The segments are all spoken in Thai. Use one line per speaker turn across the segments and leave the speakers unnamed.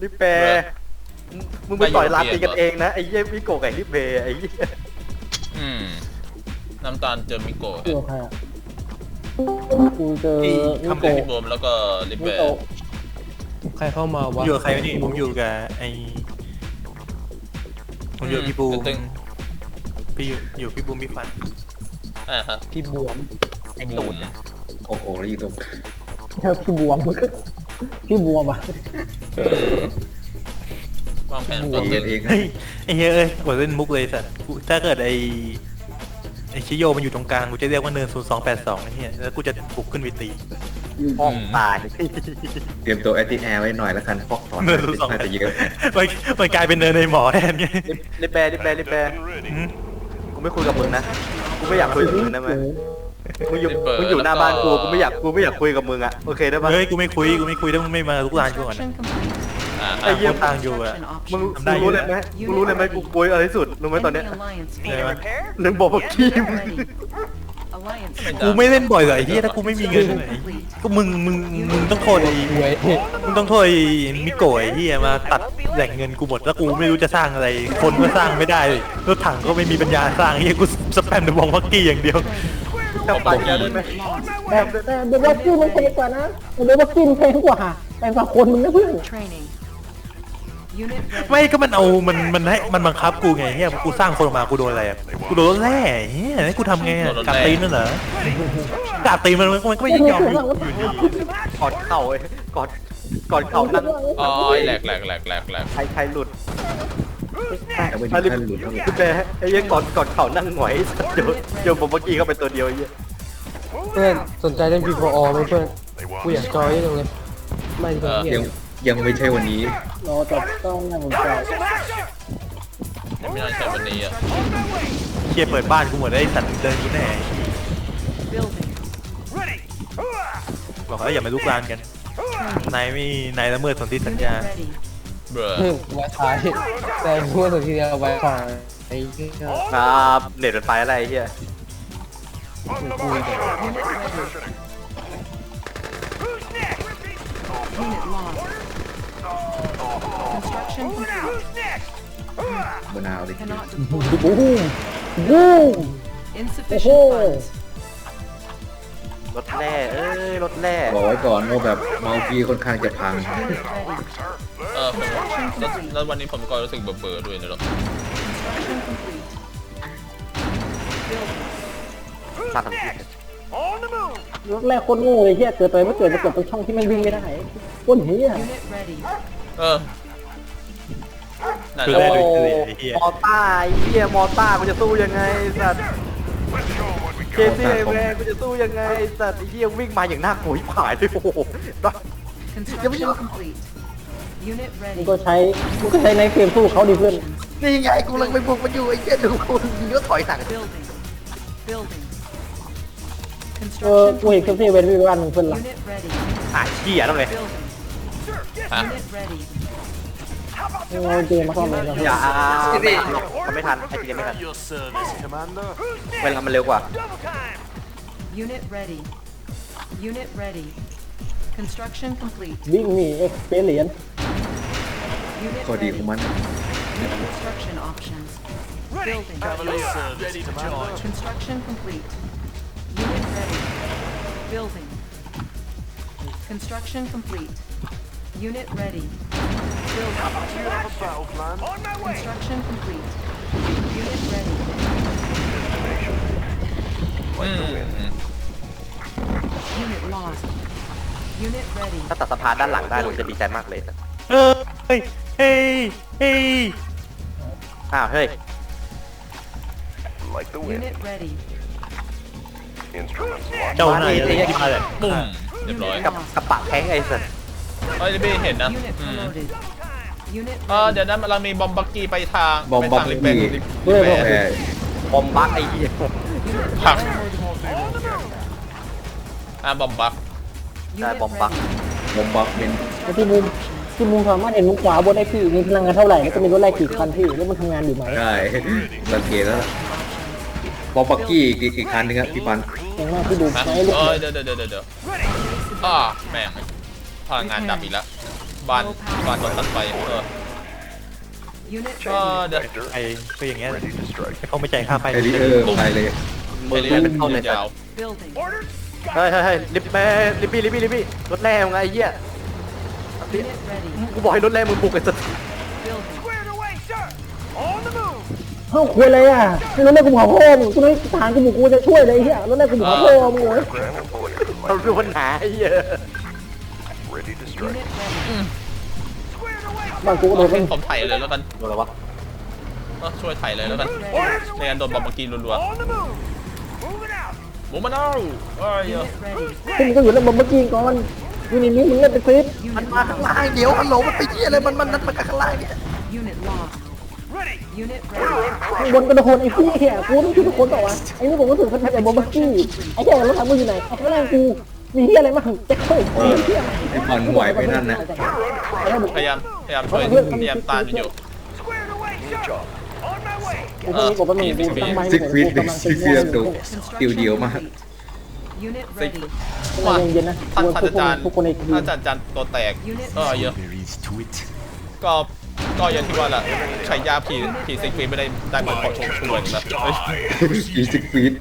ลิเปมึงไปต่อยลาตีกันเองนะไอ้เยี่ยมิโกะกับลิเปไอ้เยี่ย
น้ำตาลเจอมิโกะ
เจอใครอ่ะกูเจอมิ
ทำ
โกะ
พี่โบมแล้วก็ลิ
มิ
เป้
โกะ
ใครเข้ามาวะ
อยู่กับใครนี่ผมอยู่กับไอ้ผมอยู่กับพี่บูมพี่อยู่พี่บูมพี่ฟัน
ฮะ
พี่บวม
ไอ้ตูด
โอ้โหแล้วอยู่ตรง
แค่พี่บวมพี่บวมอ่ะ
วางแผน
ตั
ตัว ว
เอ
ตึ
ง
ง
เอง
เฮ้ยไอ้เฮ้ยเอ้ยกดเล่นมุกเลยสัตว์ถ้าเกิดไอ้ชิโยมันอยู่ตรงกลางกูจะเรียกว่าเนิน0282ไอ้เหี้ยแล้วกูจะบุกขึ้นไปตี
ห้องตาย
เตรียมตัวแอตติแอร์ไว้หน่อยแล้วกันฟอกถอน
เนิน02
น่าจะเยอะ
มันกลายเป็นเนินในหมอแทนไง
ลิเปกูไม่คุยกับมึงนะกูไม่อยากคุยกับมึงนะมึงอยู่หน้าบ้านกูไม่อยากคุยกับมึงอ่ะโอเคได้ปะ
เฮ้ยกูไม่คุยถ้ามึงไม่มาลุกลานกูก่อนนะ
ไอ้เยี่ยม
ต่างอยู่อะ
มึงรู้เลยไหมกูกลัวอะไรที่สุดรู้ไหมตอนเนี้ย
เออ
เรื่องบอกว่าขี้ม
กูไม่เล่นบ่อยเลยไอ้เหี้ยถ้ากูไม่มีเงินเลยก็มึงต้องโทษไอ้
เว้ย
มึงต้องโทษไอ้มิโกะไอ้เหี้ยมาตัดแหล่งเงินกูหมดแล้วกูไม่รู้จะสร้างอะไร คนก็สร้างไม่ได้รถถังก็ไม่มีปัญญาสร้างไอ้เหี้ยกูสแปมเดอะบองพักกี้อย่างเดียว
ทำปากแกได้ไหม
แต่เดบักกี้มันแพงกว่านะเดบักกี้มันแพงกว่าแพงกว่าคนมึงนะเพื่อน
ไม่ก็มันเอามันให้มันบังคับกูไงเฮียกูสร้างคนออกมากูโดนอะไรอะกูโดนรถแร่เฮียให้กูทำไงอะกาดตีนนั่นเหรอกาดตีนมันก็ไม่ยอมอยู่ดี
กอดเข่าไอ้กอดเข่านั่ง
อ๋อแหลก
ใครหลุด
แต่ไม่ถึงขั้นหลุดเท่าไหร่
ลิเปไอ้เยี่ยกอดเข่านั่งหงอยเดี๋ยวผมเมื่อกี้เข้าไปตัวเดียวไอ้เยี่ย
เพื่อนสนใจเล่น P4O ไหมเพื่อนกูอยากจอยจังเลยไม่ดีกว่าเหี้ย
ยังไม่ใช่วันนี้
รอจับต้องน่าสนใจ
ยังไม่น่าใช่วันนี้อ่ะ
เฮียเปิดบ้านกูหมดไอ้สัตว์เดินกูแน่บอกแล้วอย่ามาลุกลานกันนายละเมิดสนธิสัญญา
เบรอ
ไว้ท้ายแต่พูดสุดทีเดียวไว้ฟังไอ้เหี้ย
ครับเน็ตเป็นไฟอะไรไอ้เยี่ย
มะนาวเลย
บูมบูมโอ้โห
รถแร่รถแร่
บอกไว้ก่อนว่าแบบเมาฟีค่อนข้างจะพัง
แล้ววันนี้ผมก็รู้สึกเบื่อด้วยนะหรอ
ตัดทั้งที
รถแรกโคตรโง่เลยเฮียเกิดไปไม่เกิดมาเกิดตรงช่องที่มันวิ่งไม่ได้โคตรเฮีย
นั่น
คือ
แห
ได้
ละ
เลยไอ้เฮีย
มอต้าไอ้เยี่ยมอต้ากูจะสู้ยังไงสัตว์เคซี่ไอ้แม่กูจะสู้ยังไงสัตว์ไอ้เยี่ยวิ่งมาอย่างน่ากลัวผายเลยโอ้โห
มึงก็ใช้ในเกมสู้เขาดิเพื่อน
นี่ไงกูลังไปบุกมันอยู่ไอ้เยี่ยดูกูยิงก็ถอยหลัง
กูเห็นเคมซี่เวนวิวันเพื่อนละ
เหี้ยต้องเลย
ฮะ
เอาเกมมาเข้ามาแล้ว
อย่าทำไม่ทันไอ้ทีเดียไม่ทันเวลามันเร็วกว่า
Unit ready. Unit ready. Construction complete.
วิ่งหนีเอ็กซ์เพรสเหรียญ
Unit
ข้อดีของ
ready.
มัน
Construction options. Building. Construction complete. Unit ready. Building. Construction complete. Unit ready. Building. Construction complete. Unit ready.
อืม
Unit lost. Unit ready.
ถ้าตัดสะพานด้านหลังได้ผมจะดีใจมากเลย
เฮ้ย
อ้าวเฮ้ย
Unit ready.
เจ้านายอะไรที่มาเลย
ปุ้มเรียบร้อย
กับปะแข้งไอ้สัตว์
เฮ้ยพี่เห็นนะ
Unit promoted. Unit
เดี๋ยวนั้นเรามีบอมบักกี้ไปทาง
บอมบัก
ลิ
กี้
เป้
แต่
บอมบักไอ้เหี้ย
ผักบอมบัก
ได้บอมบัก
บอมบักเป็น
ไอ้ที่มุมสามารถเห็นมุมขวาบนได้พี่มีพลังงานเท่าไหร่ก็จะมีรถไล่กี่คันพี่แล้วมันทำงานอยู่ไหม
ได้สังเกตแล้วล่ะบอมบักกี้อีกคันหนึงครับพี่ปัน
อย่างมากที่ดู
ฮะ
ไหมลูก
เดี๋ยวแม่งพลังงานดับอีกแล้วบ้านโดนตัดไป
Unit
ก็
ready.
เดี๋ยว
ไอ้ก็อย่างเงี้ยเขาไม่จ่ายค่าไฟ
ไอริเออร์ไปเลย
มึง
เรี
เป็
ย
น
น
ต้นเลย
ยาว
Building.
เฮ้ยลิฟต์แม่ลิฟบี้รถแรงไงไอ้เหี้ย
Unit ready.
กูบอกให้รถแรงมึงบุกไอ้สัส
Building.
เฮ้าคุยอะไรอ่ะให้รถแรกกูบอกพ่อมึงกูไม่ทหารกูบุกกูจะช่วยเลยไอ้เหี้ยรถแรกกูบอกพ่อมึงโว้ย
เราเป็นปัญหาไอ้เหี้ย
Unit ready.
บ้านกูก็โดน
ให้ผมไถ่เลยแล้วกัน
โดนอะไรวะ
ช่วยไถ่เลยแล้วกันไม่งั้นโดนบอมบ์กีรัวๆหมูมันเอาเอ้ย
Unit ready.
พวกมึงก็อยู่แล้วเมื่อกี้ก่อนอยู่ในนี้มึงเล่นไปซิป
Unit
มาข้างล่างเดี๋ยวฮัลโหลมันไปเหี้ยอะไรมันมาข้างล่างเนี่ย
Unit lost. Unit ready.
ข้างบนก็โดนไอ้พี่แขกกูต้องช่วยทุกคนต่อวะไอ้นี่ผมก็ถือพันธุ์ไอ้บอมเบอร์กี้ไอ้แขกรถถังกูอยู่ไหนไอ้ข้างล่างกูมีเหี้ยอะไรมั่งแจ็คเฮ้ยมีเหี้ยอะไร
ไอ้บอลไหวไปนั่นนะ
พยายามช่วยพยายามตามอยู่
กูต้องมีกบมันกูตั้งไม้
ซิกฟีดซิกฟีดดูติว
Construction
เดียวมาก
complete. Unit ready.
ว่า
เย็นๆนะ
ท่านอาจารย์
ทุกคนในทีม
อาจารย์ตัวแตกเยอะก็อย่างที่ว่าแหละใช้ยาผีซิกฟีไม่ได้เหมือนขอชมช่วยนะ
อีซิกฟีด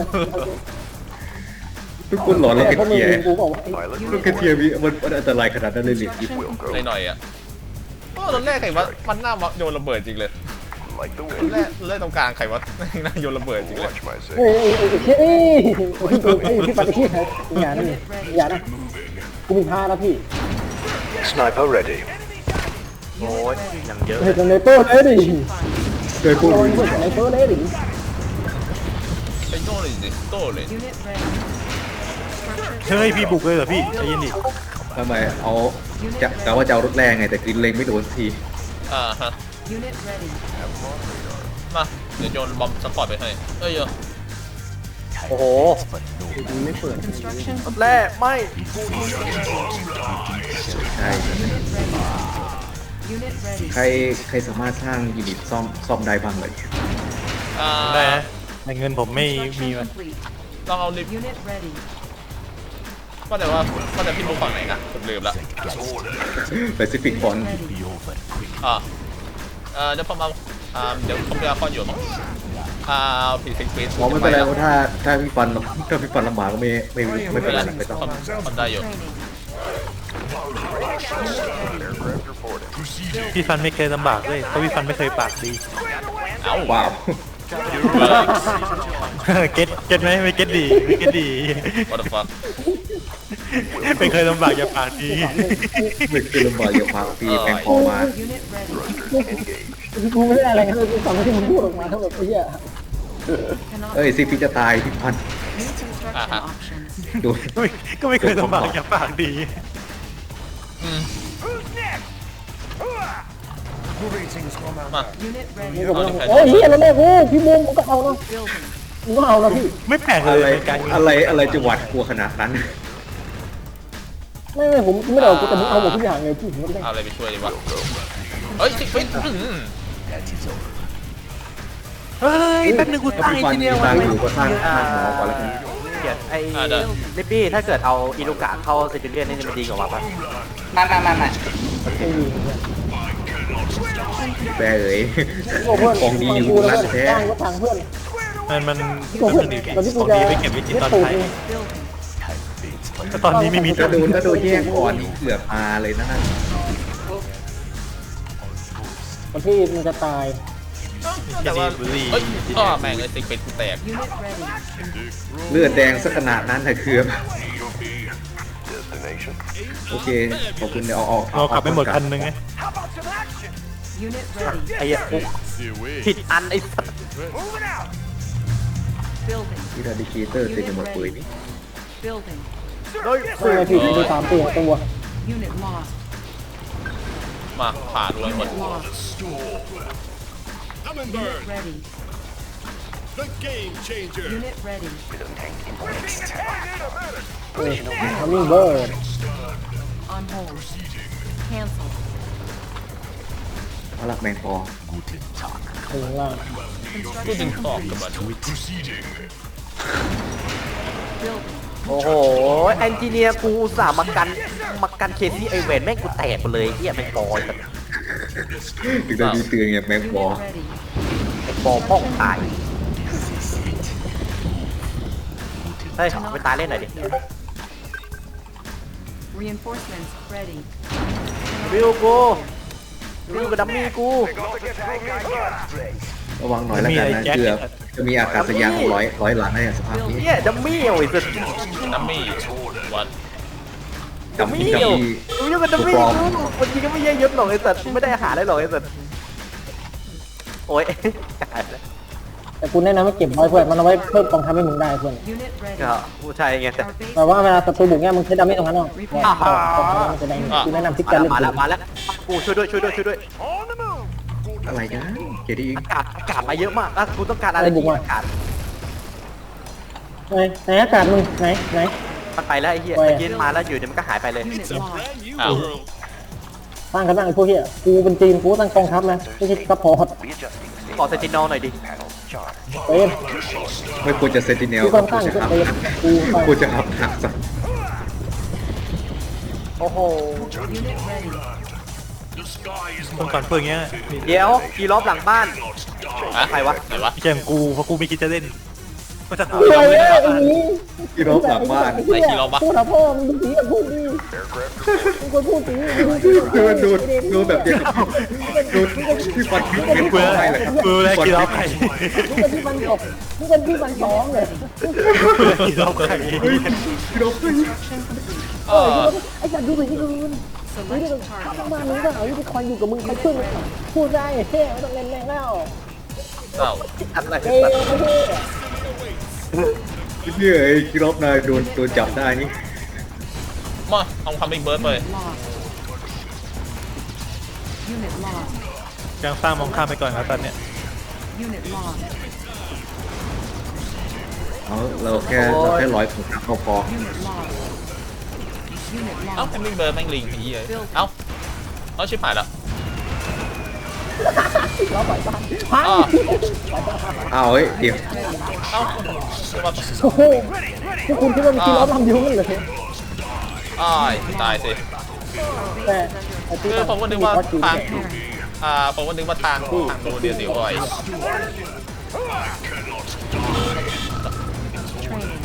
ทุกคนหลอนแล้ว
แต่
กัน
พวกมึง
เทีย
กูบอกว่า
ลูกกระเทียมีมันอันตรายขนาดนั้นเลยหรือ
Construction
หน่อยอ่ะตอนแรกใครว่ามันน่าโยนระเบิดจริงเลยแรกตรงกลางใครว่าน่าโยนระเบิดจริงเลย
เฮ้ยพี่ปัดไอ้ที่อย่านะอย่านะกูมีผ้าแล้วพี่
Sniper ready โอ้ยอย่างเยอะ
เฮ้ยในเปอร์เลยดิ
เคยพูด
โดนในเปอร์เลยดิ
ไปโน่นเลยสิโต้เลย
Unit ready.
เฮ้ยพี่บุกเลยเหรอพี่ใจเย็นดิ
ทำไมเอาจะกะว่าจะเอารถแรงไงแต่กินเลงไม่โดนที
ฮะ
Unit ready.
มาเดี๋ยวโยนบอมสปอร์ตไปให้เยอะ
โอ้โห
Construction
รถแรกไม่
ใช่
Unit ready.
ใครสามารถสร้างยูนิตซ่อมได้บ้างเลย
ได้นะแต่เงินผมไม่มี
Construction
มัน
complete.
ลองเอาลิฟ
Unit ready.
ว่าแต่พี่รู้ฝั่งไหนนะผมลืมละ
แปซิฟิกบอล
Ready.
เดี๋ยวผมเอาเดี๋ยวผมจะคอนอยู่มั้งเอาผีซิกฟี
มองไม่เป็นไรเพราะถ้าพี่ฟันลำบากก็ไม่เป็นไรไม่ต้อง
ทำได้อยู่
Training.
พี่ฟันไม่เคยลำบากเลยเพราะพี่ฟันไม่เคยปากดี
เอ้า
ว้าว
เก็ตไหมไม่เก็ตดีไม่เก็ตดี
what the fuck
ไม่เคยลำบากอย่าปากดี
ไม่คือลำบากอย่าพังปีแพงพอมา
Unit ready.
กูไม่ได้อะไรเลยกูฟังที่มึงพูดออกมาทั้งหมดไอ้เหี้ย
Cannot.
เอ้ยซิพี่จะตายพี่พัน
New construction options.
ดู
ก็ไม่เคยลำบากอย่าปากดี
มา
Unit
นี่
ready.
ก็ไม่ต้องโอ้ยเหี้ยแล้วแม่กูพี่มุมมึงก็เอาเนาะ
Building.
มึงก็เอานะพี่
ไม่แปลกเล
อะไร
ยในการ
อะไรจะหวาดกลัวขนาดนั้น
ไม่ผมไม่ได้เอากูแต่มึงเอาหมดทุกอย่างเลยพี่ผมก็ไม่ได้
เอาอะไรไปช่วยดีวะเฮ้ยซิกฟี
เฮ้ยแป๊บนึงกู
ถ้า
ตั้ง
พี่
ไอ้
ฟัน
ที่
มี
เนี้ย
ตั
วะ
งค์อยู่ก็สร้างหมอก่อนแล้วกัน
เกียรติไอ้ลิปปี้ถ้าเกิดเอาอิลูกะเข้าซิติเลียนนี่มันดีกว่าปะ
ไม่มี
แปรเอ๋ย
โอ้เพื่อน
ของดีอยู่
กูแล้ว
ร้าน
เพื่อน
แท้
จ้างรถถังเพื่อน
มัน
โอ้เพื่อน
ดี
ตอนที่
ข
กู
อง
จะ
ดีไปเก็บไว้กินตอน
ตูด
ท้าย
Building.
ตอนนี้ไม่มี
ถ้าโดนแยกก่อนนี่เกือบมาเลยนะนั่น
วันที่มันจะตาย
แต่ว่าเฮ้ยแม่งเลยซิกฟีกูแตก
Unit ready.
เลือดแดงสักขนาดนั้นนะคือ โอเคขอบคุณเดี๋ยวเอา
เราขับไปหมดคันนึงไง
Unit ready.
ไอ้เหี้ยกูผิดอันไอ้สัส
Building.
ที่ดาดิเคเตอร์เต็มไปหมดเลยนี่
Building.
โดย
ไม่ไงพี่มี3ตัวตัว
Unit lost.
มาผ่านเลยหมด
Unit lost. Unit ready. Unit ready.
ทำมิ่งเบิร์ด
On hold. Cancel.
เอาละแมงปอ
ถึงล่าง
กูดึงตอกกับมัน
Building.
โอ้โหแอนจิเนียร์กูอุตส่าห์มากันมากันเคซี่ไอเวนแม่งกูแตกหมดเลยเฮียแม่งบอล
ถึงได้มีเตือนไงแมงบอ
Unit ready.
ไอ้บอลป้องตายเฮ้ยไปตายเล่นหน่อยดิ
Reinforcements ready.
วิวกูวิวกับดัมมี่กู
ระวังหน่อยแล้วกันนะเกือบจะมีอากาศยานร้อยหลังในสภาพนี้
เฮียดัมมี่โอ้ยสุด
ดัมมี่วัด
ดัมมี่วิวกับดัมมี่กูวันนี้ก็ไม่เยอะยศหรอกไอ้สัตว์ไม่ได้อาหารได้หรอกไอ้สัตว์โอ้ย
แต่กูแนะนำให้เก็บไว้เพื่อนมันเอาไว้เพิ่มกองทัพให้มึงได้เพื่อน
Unit ready.
ก็ผู้ชายไงแต่
Our base
แต่ว่าเวลาศัตรูบุกเนี่ยมึงใช้ดาเมจตรงนั้นเนาะเนี่ยกองทัพมันจะได้กูแนะนำที่การเล่น
มาแล้วมาแล้วกูช่วยด้วย
อะไรกันเกดีอีก
อากาศมาเยอะมากกูต้องการอะไรดีอากาศ
ไหนอากาศมึงไหน
มันไปแล้วไอ้เหี้ย
ไป
ตะกี้มาแล้วอยู่เดี๋ยวมันก็หายไปเลย
unit lost.
อ้าว
ตั้งกันตั้งไอ้พวกเหี้ยกูเป็นจีนกูตั้งกองทัพนะไม่ใช่ซัพพอร์ต
ขอเซนตินอลหน่อยดิ
เต็ม
ไม่ควรจะเซนติเนล
กูต้องตั้ง
ควรจะ
ก็
อัพ
เต็มกูไป
ควรจะอัพหักสัก
โอ้โห
Unit ready.
ต้องการเพื่อนเงี้ย
เดี๋ยวกีรอบหลังบ้าน
อะ
ใครวะ
ไหนวะ
ไม่ใช่ของกูเพราะกูไม่คิดจะเล่นก็จะกู
เฮ้ยไอ้นี้
ที่รบหลังบ้าน
ไหนกี่รอบวะ
พูดนะพ่อมึงดูสีกับพูดดีมึงควรพูดสี
ดูแบบเดียวกับดูที่ฟันพิษเป็น
กู
อะไรแหละครับ
กูเลยกี่รอบใคร
มึงเป็นที่มันตกมึงเป็นที่มันสองเลย
กี่รอบใคร
ที่รบ
เออ
ไอ้จัดดูสิที่อื่นนี่ก็ข้างบ้านมึงก็เอาที่คอยอยู่กับมึงคอยช่วยมึงพูดได้เท่ไม่ต้องเล่นแรงแล้ว
เอ้า
อะไร
เท่ไม่เท่
ที่ไอ้ที่รบนายโดนจับได้นี่
มาเอาคัมมิ่งเบิร์ดไป
Lost. Unit lost.
ยังสร้างมองข้ามไปก่อนครับตอนเนี้ย
Unit lost.
เราแค่ร้อยผลเข้าพอ
Unit lost. Unit
เอ้า
lost.
คัมมิ่งเบิร์ดแม่งลิงไอ้เหี้ยเอ้าเอาชิบหายแล้ว
ล้อปล่อยบ้านพัง
อ้าว
อ้าวเฮ้ยเดี๋ยว
เอ้าจะมา
โอ้โหพวกคุณคิดว่ามีล้อทำอยู่งั้นเหรอ
อ้ายตายสิ
แต่ไอ้
คือผมก็นึกว่าทางผมก็นึกว่าทางดูเดียวสิบ่อย
Training.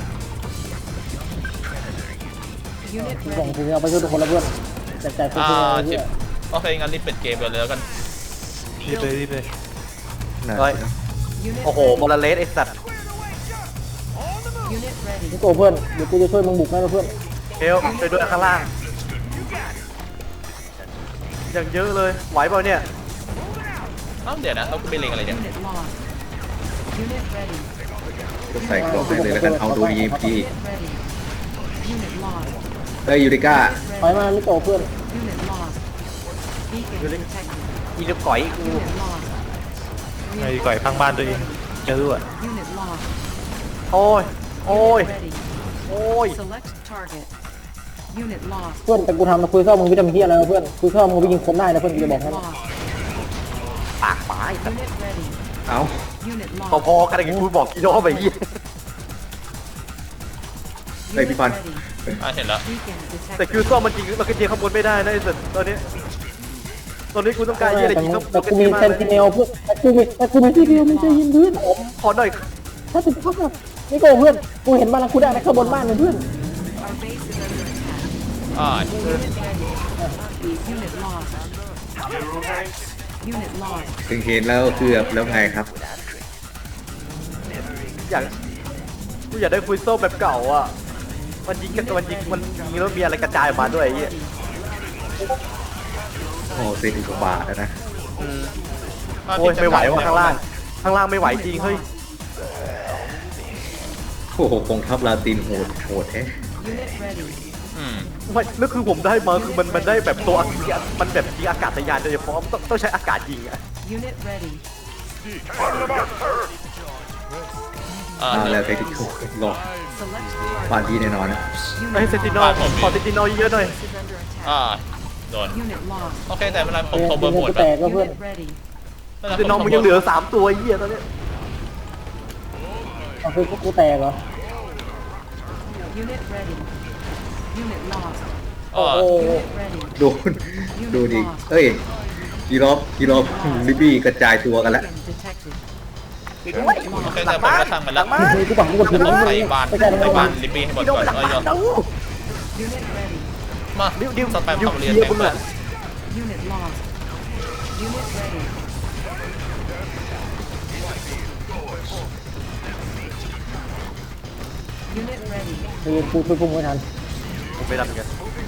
Unit
ส่ง
ready.
ถึงเอาไปช่วยทุกคนแล้วเพื่อนแต่พวกคุณ
ชิ
เนี่
บ
ย
โอเคงั้นรีบปิดเกมไปเลยแล้วกัน
รีบเลย
เฮ้ย
Unit
โอ้โห
ready.
มอลเลสไอ้สัตว์
Unit ready.
นี่โตเพื่อนเดี๋ยวกูจะช่วยมึงบุกนะเพื่อน
เฮลไปด้วยข้างล่างอย่างเยอะเลยไหวเปล่าเนี่ย
เอ้าเดี๋ยวนะเราไปเล็งอะไรเนี่ย
Unit lost. Unit ready.
ก็ใส่กรอบไปเลยแล้วกันเอาดูดีพี
Unit ready. Unit lost.
เฮ้ยยูริก้า
ไปมาไม่โตเพื่อน
Unit lost. Beacon detected.
อีลูกก่อยกู
Unit lost.
ไอ้ก่อยพังบ้านตัวเองเจอด้วย
Unit lost.
โอ้ย โอ้ย
Unit ready.
โอ้ย
Select target. Unit lost.
เพื่อนแต่กูทำมาคุยเข้ามึงวิตามินที่อะไรเพื่อนคุยเข้ามึงไปยิงคนได้นะเพื่อนกูจะบอกให้
Lost.
ปากหมาไอ้สัตว์
Unit ready.
เอา
Unit
พอ
lost.
ๆกันไอ้กูบอกกี่รอบไปยี่
เฮ้ยพี่ปัน
Ready.
เห็นแล้ว
Beacon
แต่
detected.
คิวซ่อมมันจริงมันก็ยิงข้างบนไม่ได้นะไอ้สัตว์ตอนนี้กูต้องการยี่อะไรยิงข้างบ
แต่
น
กูมีเซนติเนลเพื่อนแต่กูมีที่เดียวมึงจะยิงเพื่อน
ผมขอหน่อย
ถ้าถึงพักแบบนี่โกเพื่อนกูเห็นบ้านกูได้นะข้างบนบ้านเลยเพื่อน
Our base is under attack.
อ้าย
Unit ready. Unit lost. Unit lost.
ถึงเห็นแล้วคือแล้วไงครับ
อยากกูอยากได้คุยโซ่แบบเก่าอ่ะมันยิงกันมันยิงแล้วมีอะไรกระจายออกมาด้วยไอ้เหี้ย
โอ้เซนกว่าบาทนะ
โอ้ยไม่ไหวว่ะข้างล่างไม่ไหวจริงเฮ้ย
โอ้โหกองทัพลาตินโหดแท้
Unit ready.
อืม
ไม่แล้วคือผมได้มาคือมันได้แบบตัวมันแบบยิงอากาศยานโดยเฉพาะต้องใช้อากาศยิงอ่ะ
Unit ready.
แล้วเทคนิคหลอก
Select target.
บ้านพี่แน่นอนนะ
ไอ้เซนตินอลขอเซนตินอลเยอะๆหน่อย
Base is under attack.
อ่าโดน
Unit lost.
โอเคแต่เวลาผม
เนี่ย
โทรเบอร์หมด
จะแตกก็เพื่อน
Unit ready.
เซนตินอลมึงยังเหลือ3ตัวไอ้เหี้ยตอนนี้
เอาคือกูแตกเหรอ
Unit ready. Unit lost.
อ๋อ
Unit ready.
ดูดูดิเอ้ยกีรอบลิบบี้กระจายตัวกันแล้ว
Detected.
โอเคแต่ผมก็ทำมันแล้ว
กูบอกกูกดผิด
ต้
แล้
อ
ว
งไปบ้านลิบบี้ให้หมดก่อนยอม
Unit ready.
มา
ดิว
สแปม
ดิว
คำ
เค
เรียน
ลียร์
เต็ม
มึง
เล
อะ
ย
Unit lost. Unit ready. Unit ready.
กูไม่ทัน
กูไม่รับเหมือนกัน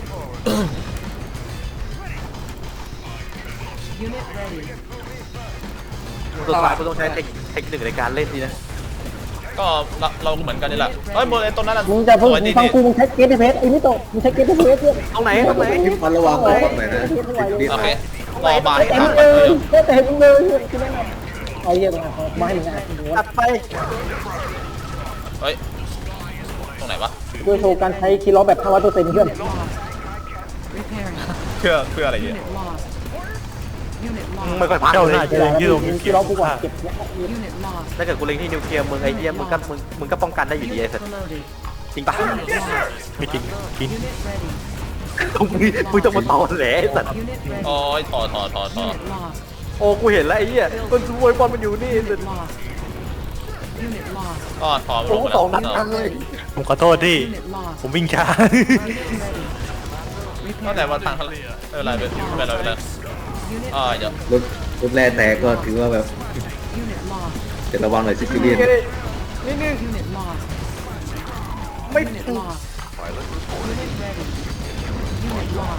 Unit ready.
สุดท้ายกูต้องใช้เทคนิคในการเล่นดีนะ
ก็เราเหมือนกันนี่แหละเฮ้ยโมเลต้นนั้น
มึงจะพูด
สวยดี
ฟังกูมึงใช้เกตเพสไอ้นี่โตมึงใช้เกตเพสเนี่ย
ตรงไหนตรงไหน
พิมพ์พันระวังบอกหน่อยนะดิด
โอเครอบาย
เต็ม
ทาง
เล
เลย
ยเต็มเลยคือนั่นเอาเยอะมาไม่ให้มึงอ่ะ
ตัดไป
เฮ้ยตรงไหนวะ
กูโชว์การใช้คีย์ล็อกแบบ500%เพื่อน
Repairing.
เพื่ออะไรเนี่ย
Unit lost. Unit
มึง
lost.
ไม่ค่อยพัก
เจ้า
เล
หน้าย ที่ยืนตรงนี้
คีย์ล็อกกูกว่าเก็บ
Unit lost.
ถ้าเกิดกูเล็งที่นิวเคลียร์มึงไอ้เหี้ยมึงก็ป้องกันได้อยู่ดีไอ้สัส
Overloaded.
จริงปะ
Unit lost.
ไม่จริงจริง
Unit ready.
มึงต้องมาต่อแหละไอ้สัส
Unit ready.
โอ้ยถอ
Unit lost.
โอ้กูเห็นแล้วไอ้เหี้ยมันสวยบอลมันอยู่นี่
Unit lost. Unit lost.
ก็ถอ
โอ้สองนัด
แล้
ทั
วน
เลย
ผมขอโทษที่
Unit lost.
ผมวิ่งช้า
Unit ready.
ก็แต่
Repairing.
ว่าทางไม่เป็นไรไม่เป็นไรไม่เป็นไร
Unit
เดี๋ยว
รถแร่แตกก็ถือว่าแบบ
Unit lost.
จะระวังหน่อยซิซิเลียน
Unit lost.
ไม่
Unit lost. Unit ready. Unit lost.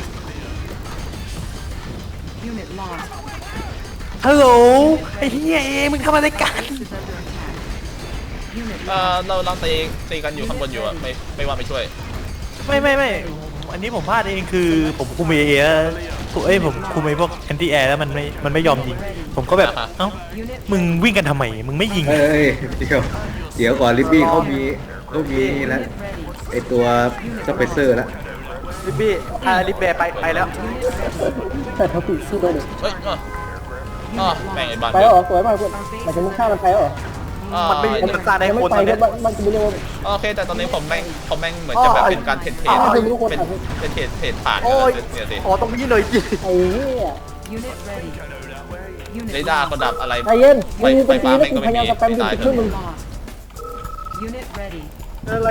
Unit lost.
ฮัลโหลไอ้เหี้ยเองมึงทำอะไรกัน
Is under attack. Unit
เราตีกันอยู่ข้างบนอยู่อะไม่ว่าไม่ช่วย
ไม่อันนี้ผมพลาดเองคือผมคุมเอผมคุมไอ้พวกแอนตี้แอร์แล้วมันไม่ยอมยิง ผมก็แบบเอ้า
Unit
มึงวิ่งกันทำไมมึงไม่ยิง
เอ้ยเดี๋ยวก่อนลิบบี้เขามีนี่แล้ว
ready.
ไอตัวสเปเซอร์แล้ว
ลิบบี้ลิบแบร์ไปแล้ว
แต่ทั้งปีสู้ได้เลย
เฮ้ยแม่งไอ้บ้าน
ไปแล้วเหรอสวยมากเพื่อนหมายถึงมึงฆ่ามันไปแล้วเหรอ
มันไม่มันสร้างได้
ยังไม่
คน
ไป
ตอน
ก็
เนี้ย
มันจะไม่เรียกว่า
โอเคแต่ตอนนี้ผมแม่งเหมือนจะแบบเป็นการเทรดเป็นเทรดผ่าน
โอ้ย
เนี่ยสิ
อ๋อตรงนี้หน่อยจิ
ไอ้เนี่ย
Unit ready. Unit
เรดาร์ก็ดับอะไร
ใจเย็นมึง
ไฟ
เป็น
ฟ้า
ที
แม่ง
แล้ว
ก็
กูพ
ไม่
ยายาม
มี
จะแปม
ตาย
อยู่ช่วยมึง
lost. Unit ready.
อะไร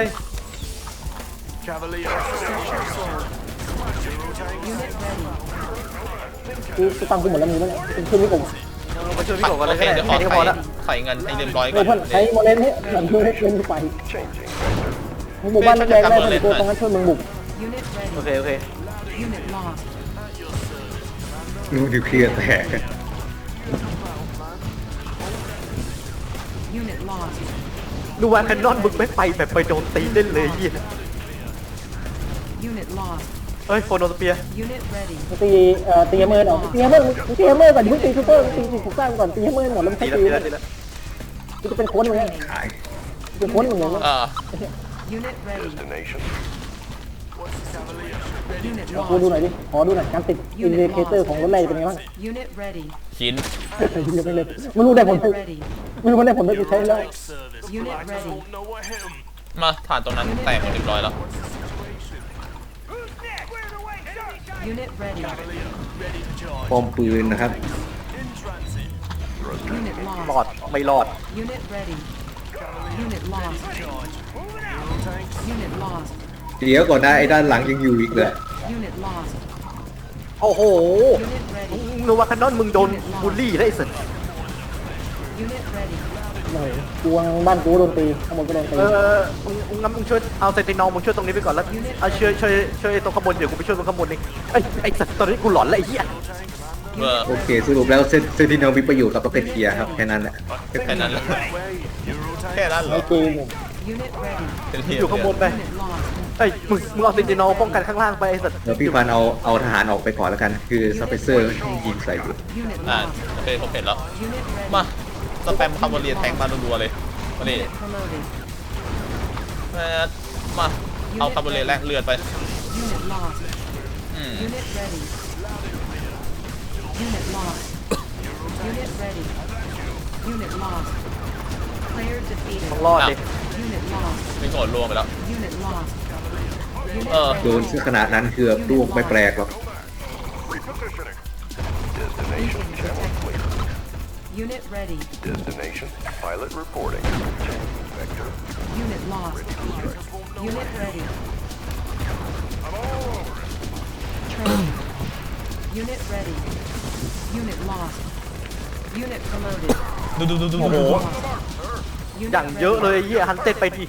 Unit ready.
กูตังกูหมดแล้วมีมั้ยเนี่ยช่วยพี่ผม
มาช่วยพี่บอกกัน
โอ
เลย
เค
ก็ได้
เดี๋ยวข
แค่
อ
นี้ก็พอละ
ใส่เงินให้เรียบร้อยก่
เฮ้
อย น
เพื่อนใช้โมเลนให้หลังช่วยเล่นไปมึงบุกบ้านแดงได้เป็นตัวตรงนั้นช่วยมึงบุก
Unit
โอ
ready.
เค
Unit lost.
ลูกนิวเคลียร์แตก
Unit lost.
ดูว่าแคนนอนมึงไม่ไปแบบไปโดนตีเล่นเลยยี่
Unit lost.
เฮ้ยโฟโนสเปีย
Unit ready.
ตีเมอร์หน่อยตีเมอร์ก่อนอย่าเพิ่งตีซูเปอร์ตีถูกสร้างก่อนตีเมอร์หมดแล้วไม่
ตี
ใช่
แล้ว
ตี
ตีแล้วตีแล้ว
กูจะเป็นโค้ชมึงเนี่ย
ขาย
เป็นโค้ชมึงเนี่ย
Unit ready. Unit
กูดู
lost.
หน่อยดิขอดูหน่อยการติดอินดิเคเตอร์ของรถไล่เป็นไงบ้าง
Unit ready.
หิน
ยังไม่เลยไม่รู้ได้ผล
Unit ready.
ไม่รู้ได้ผลได้กูใช้แล้ว
Unit ready.
มาฐานตรงนั้นแตกหมดเรียบร้อยแล้ว
Unit ready.
ป้อมปืนนะครับ
Unit
รอ
lost.
ดไม่รอด
Unit ready. Unit lost. Unit lost.
เดี๋ยวก่อนนะไอ้ด้านหลังยังอยู่อีกเลย
Unit lost.
โอ้โห
Unit ready.
ดูว่าแคนนอนมึงโดนบูลลี่ได้สิ
Unit ready.
กูบ้านกูโดนตีข้างบนก็โดนตี
งั้นมึงช่วยเอาเซนตินอลมึงช่วยตรงนี้ไปก่อนแล้วเอาช่วยตรงข้างบนเดี๋ยวกูไปช่วยตรงข้างบนนี่ไอ้สัตว์ตอนนี้กูหลอนแล้วไอ้เหี้ย
โอเคสรุปแล้วเซนติเนลมีประโยชน์กับล็อกเก็ตเทียร์ครับแค่นั้นแหละ
แค่นั้นเลยแค่นั้นเหร
ไอ้
อ
เกม
Unit ready.
เป็นเหี้
อยู่ข้างบนไป
Unit lost.
ไอ้มึงเอาเซนตินอลป้องกันข้างล่างไปไอ้สัตว์
แล้วพี่ฟันเอาทหารออกไปก่อนแล้วกัน คือสเปเซอร์ยิงใส่อยู่
Unit
อ่า
lost.
โอเคผมเห็นแล้ว
Unit ready.
มาสแปมคาร์บอนเรียแทงมารัวๆเลยมาดิ
Unit promoted.
มาเอาคาร์บอนเรียแลกเลือดไป
Unit lost.
อืม
Unit ready. Unit lost. Unit ready. Unit lost. Player defeated.
ต้องรอดดิ
Unit lost.
ไม่โกรธรวมไปแล้ว
Unit lost.
เออ
โดนซะขนาดนั้นคือร่วงไม่แปลกหรอก
Unit ready.
Destination, pilot reporting. Vector.
Unit lost. Unit ready. Training. Unit ready. Unit lost. Unit promoted.
ดูโอ้โห
Unit
อย่างเยอะเลยไอ้เหี้ยฮันเต็ดไปดิ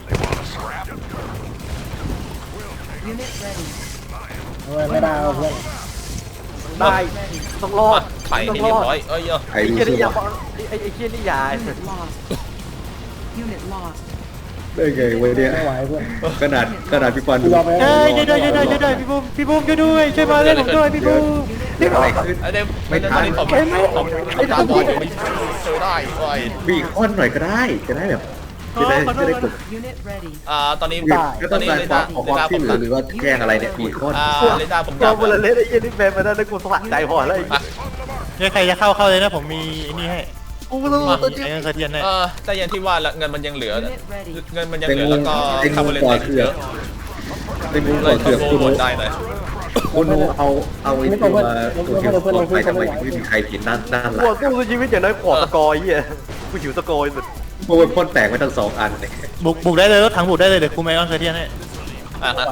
Unit ready.
ไม่ได้เพื่อน
ได้ต้องรอด
ไข่
ต้อ
ให้
ง
เรี
ร
ย
อบ ด
ร้อยเอ้ย
ไอ้
ไอ้
รู้
เหี้ย
สึ
นี่
ก
ยา
ว่า
ไอ้เหี้ยนี่ยา
Unit lost. Unit lost.
ได้ไงวะเนี่ย
ไม่ไหวเพื่อน
ขนาดพี่ปอนดู
ยอมไป
เฮ้ยช่วยด้วยช่วยด้วยช่วยด้วยพี่บูมช่วยด้วยช่วยมาเล่นผมด้วยพี่บูม
เรียกอะไรขึ้น
ไอ้เดม
ไม่ทัน
ตอนนี้ผมตาบอดอยู่ไม่ช่วยได้โอ้ย
บีคอนหน่อยก็ได้จะได้แบบจะได้กด
Unit ready.
ตอนนี้
ก็
ต
ต้
อ
อน ง
นี้
การ
เร
ควา
ดาม ร์
ขอความช่วยเหลือหรือว่าแกล้งอะไรเนี่ยบีคอน
เรดาร์ผม
ต
ดั
อบ นเวลาเล่นไอ้เหี้ยนี่แบนมาได้แล้วกูสะใจพอแล้วไอ้เหี้ย
เนี่ยใครจะเข้าเลยนะผมมีไอ้นี่ให้
กูรู้ตัวจริง
ไอ้เงินเทียนให้
แต่อย่างที่ว่าเงินมันยังเหลือ
Unit ready.
เงินมันยังเหลือแล้วก็
เป็น
คาร์
งู
บอนเลน
ก่อ
เต
เถื
เย
อก
อะ
เป็นงู
เล
ก่อย เถือก
โด
คุณ
น
โน
ได้เลย
คุณโนเอาไอ้ตัวตัวเถือกปลอดภัยทำไมไม่มีใครเห็นด้านหลั
กู
ง
สู้ชีวิตอย่างน้อยขอสกอร์ไอ้เหี้ยกูหิวสกอร์สุด
เพราะว่าพ่นแตกไปทั้งสองอันเนี่ย
บุกได้เลยรถถังบุกได้เลยเดี๋ยวกูไมออนเทียนให้
อ่ะฮะ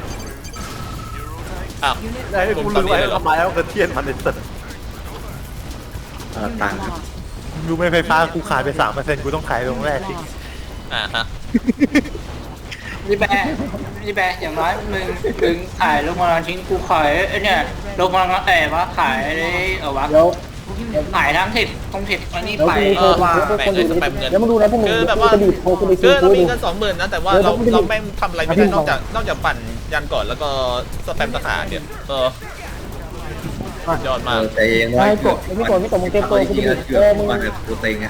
อ้าว
Unit
ได้ให้กูลืมไปทำไมแล้วกระเทียนมันไอ้สัส
ตังค์
lost.
ดูไม่ไฟฟ้ากูขายไป 3%กูต้องขายลงแรกสิ
Lost.
ฮะ
นี่แบะอย่างน้อยมึงขายลงมาลชิ้นกูขายไอ้เนี่ยลงมาลว่าขายวะ
เดี๋ยว
ขายทั้งถิดตรงถิดอันนี้
เดี๋ยว
ไป
กูเคย
ว่า
พวกคนดูเดี๋ยวมึงดูนะพวกมึง
คือแบบ
กู
ว่า
จะบีบโทรกูไป
คื
ซื้
อ
อ
เรา
กู
มี
ดู
เงิน20,000นะแต่ว่าเราไม่ทำอะไรไม่ได้นอกจากปั่นยันก่อนแล้วก็สแปมทหารเนี่ยยอดมาก
แต่เองว่ามึงเต็มตัวกูจะมึงมาแบบตัวเต็งอ่ะ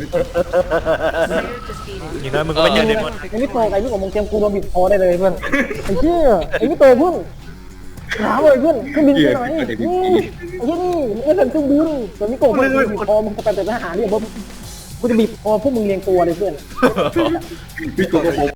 อย่างน้อยมึงก็ไม่เจอเดมอน
ไอ้นี่โตไอ้นี่ของมึงเตรียมกูโดนบีบคอได้เลยเพื่อนไอ้เชี่ยไอ้นี่โตเพื่อนถามเลยเพื่อนเครื่องบินไปไหนไอ้เชี่ยนี่มึงไม่เป็นเครื่องบินแต่นี่โกงมึงบีบคอมึงจะไปแต่ทหารเนี่ยกูจะบีบคอพวกมึงเรียงตัวเลยเพื่อน
พี่กูก็พบ